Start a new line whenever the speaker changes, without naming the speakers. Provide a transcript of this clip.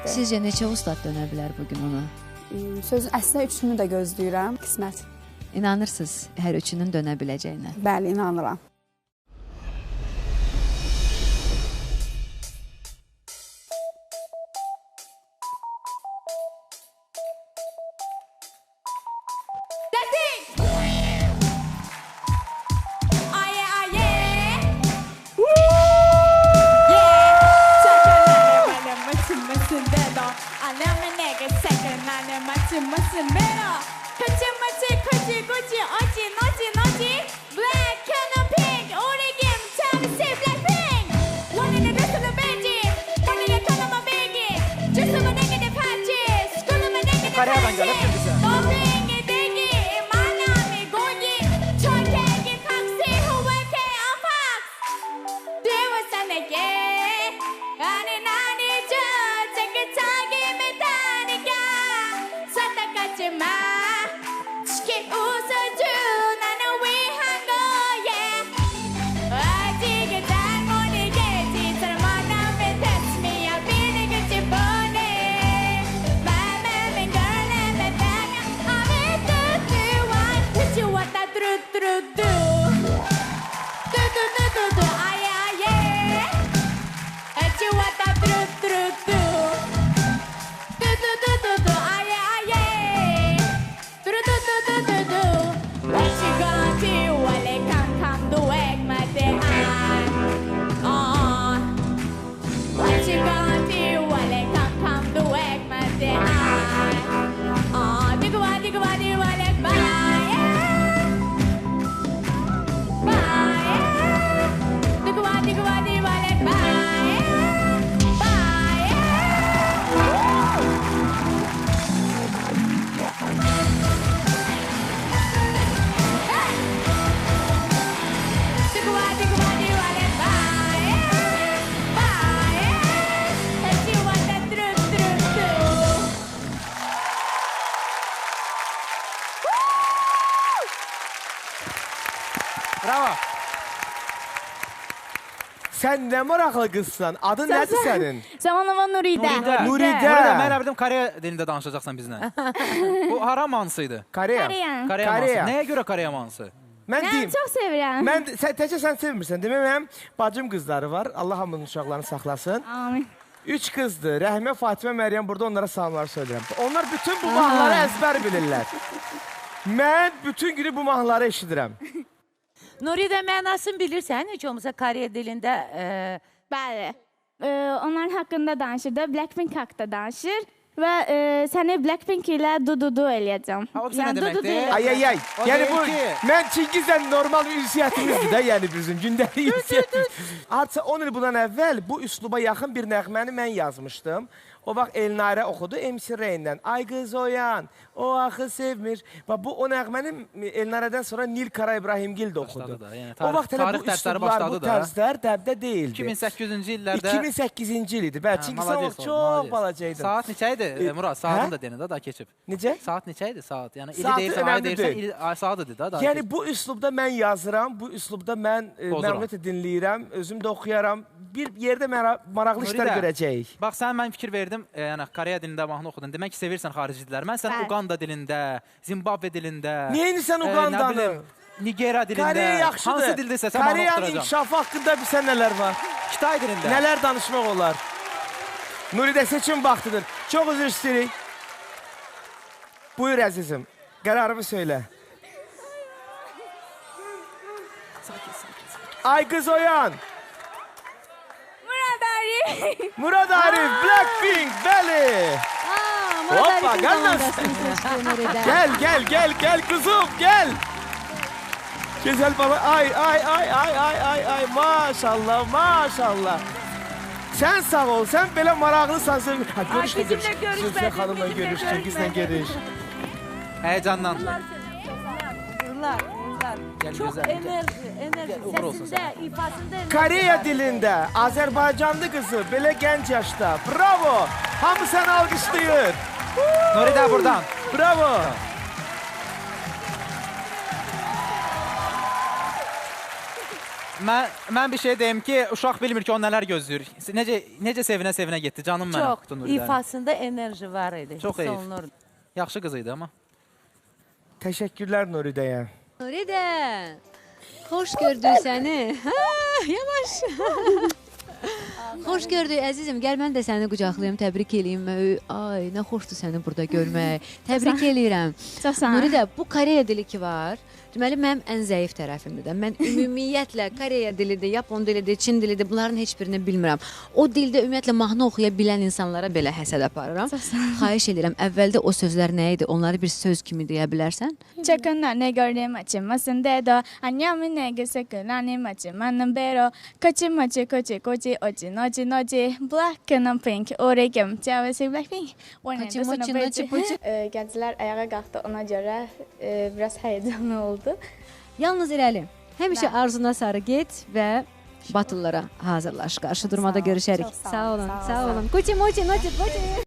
Sizcə neçə ustad dönə bilər bugün ona?
Sözün əslində üçünü də gözləyirəm, qismət.
İnanırsınız hər üçünün dönə biləcəyinə?
Bəli, inanıram.
Kore'den gelip bize. Bravo.
Sen ne maraqlı qızsan? Adın nədir sənin?
Zamanlama Nuridə.
Nuridə.
Mən bildim Koreya dilində danışacaqsan bizlə. Bu hara mansıydı?
Koreya.
Koreya mansı. Nəyə görə Koreya mansı?
Mən deyim.
Çox sevirəm.
Təkcə sən sevmirsən. Demək mənim bacım qızları var. Allah hamının uşaqlarını saxlasın.
Amin.
3 qızdır. Rəhimə, Fatimə, Məryəm burada onlara salamlar söyləyirəm. Onlar bütün bu mahnıları əzbər bilirlər. Mən bütün günü bu mahnıları eşidirəm.
Nuridə mənasını bilirsən, heç olmasa Koreya dilində?
Bəli. Onların haqqında danışır da, Blackpink haqqında danışır və səni Blackpink ilə du-du-du eləyəcəm.
O nə deməkdir?
Ay. Yəni bu, mən Çingizlə normal ünsiyyətimizdir də, yəni bizim gündəlik ünsiyyətimiz. Artıq 10 il bundan əvvəl bu üsluba yaxın bir nəğməni mən yazmışdım. O vaxt Elnarə oxudu MC Reyn'dən. Ay qız oyan, o axı sevmir. Bu o nəğməni Elnarədən sonra Nil Kara İbrahimgil də oxudu. O vaxt hələ bu üslublar, bu tərzlər dəbdə deyildi.
2008-ci illərdə...
2008-ci il idi. Bəli, çünki sən o çox balacaydın.
Saat neçə idi? Murad, saatını da deyin, daha keçib.
Necə?
Saat neçə idi? Saat. Yəni, ili deyirsən, ay deyirsən, saat idi da, daha keçib.
Yəni, bu üslubda mən yazıram, bu üslubda mən məmnuniyyətlə dinləyirəm, özüm də oxuyaram. Bir yerdə maraqlı işlər görəcəyik.
Bax, sən mən fikir verdim, yəni Koreya dilində mahnı oxudun. Demək ki, sevirsən xarici dillər. Mən sən Uganda dilində, Zimbabwe dilində...
Niyə insən Ugandanı?
Nigeriya dilində...
Koreya yaxşıdır.
Hansı dildirsə sən mahnı oxuduracam.
Koreyanın inkişafı haqqında bilsən nələr var?
Kitay dilində.
Nələr danışmaq olar? Nuridə seçim vaxtıdır. Çox üzr istəyirik. Buyur əzizim, qərarımı söylə. Ay qız oyan! Murad Arif, Blackpink, bəli. Hoppa, gel kızım, gel. Güzel baba, ay, maşallah. Sen sağ ol, sen belə maraqlısan. Zülfə xanımla görüş, Cengizlə görüş.
Heyecandan.
Çok enerji, sesinde, ifasında...
Koreya dilində, Azərbaycanlı qızı, belə gənc yaşda. Bravo! Hamı səni alqışlayır.
Nuridə buradan.
Bravo!
Mən bir şey deyim ki, uşaq bilmir ki, o nələr gözləyir. Necə sevinə-sevinə getdi, canım mənim.
Çox, ifasında enerji var idi.
Çox
hiss
heyif.
olunurdu.
Yaxşı qız idi amma.
Təşəkkürlər Nuridəyə.
Nuridə, xoş gördük səni. Hə, yavaş. Xoş gördük əzizim. Gəl mən də səni qucaqlayım, təbrik eləyim. Ay, nə xoşdur səni burada görmək. Təbrik eləyirəm.
Çox sağ ol.
Nuridə, bu Koreya dili ki var. Deməli, mənim ən zəif tərəfimdir də. Mən ümumiyyətlə Koreya dilidir, Yapon dilidir, Çin dilidir, bunların heç birini bilmirəm. O dildə ümumiyyətlə mahnı oxuya bilən insanlara belə həsəd aparıram. Xahiş edirəm, əvvəldə o sözlər nə idi? Onları bir söz kimi deyə bilərsən?
Çakana ne gördüm açılmasın dedo. Anyamı ne gösökülenim açılmanın bero. Koçi moçi koçi koçi oçi noçi noçi. Black and pink oregim. Çavesi Blackpink.
Koçi moçi noçi poçi.
Gənclər ayağa qalxdı, ona görə biraz həyecanlı oldu.
Yalnız irəli. Həmişə arzuna sarı get və batıllara hazırlaş. Qarşı durmada görüşərik.
Çox
Sağ olun,
sağ ol,
sağ
sağ ol.
olun. Koçi moçi noçi poçi.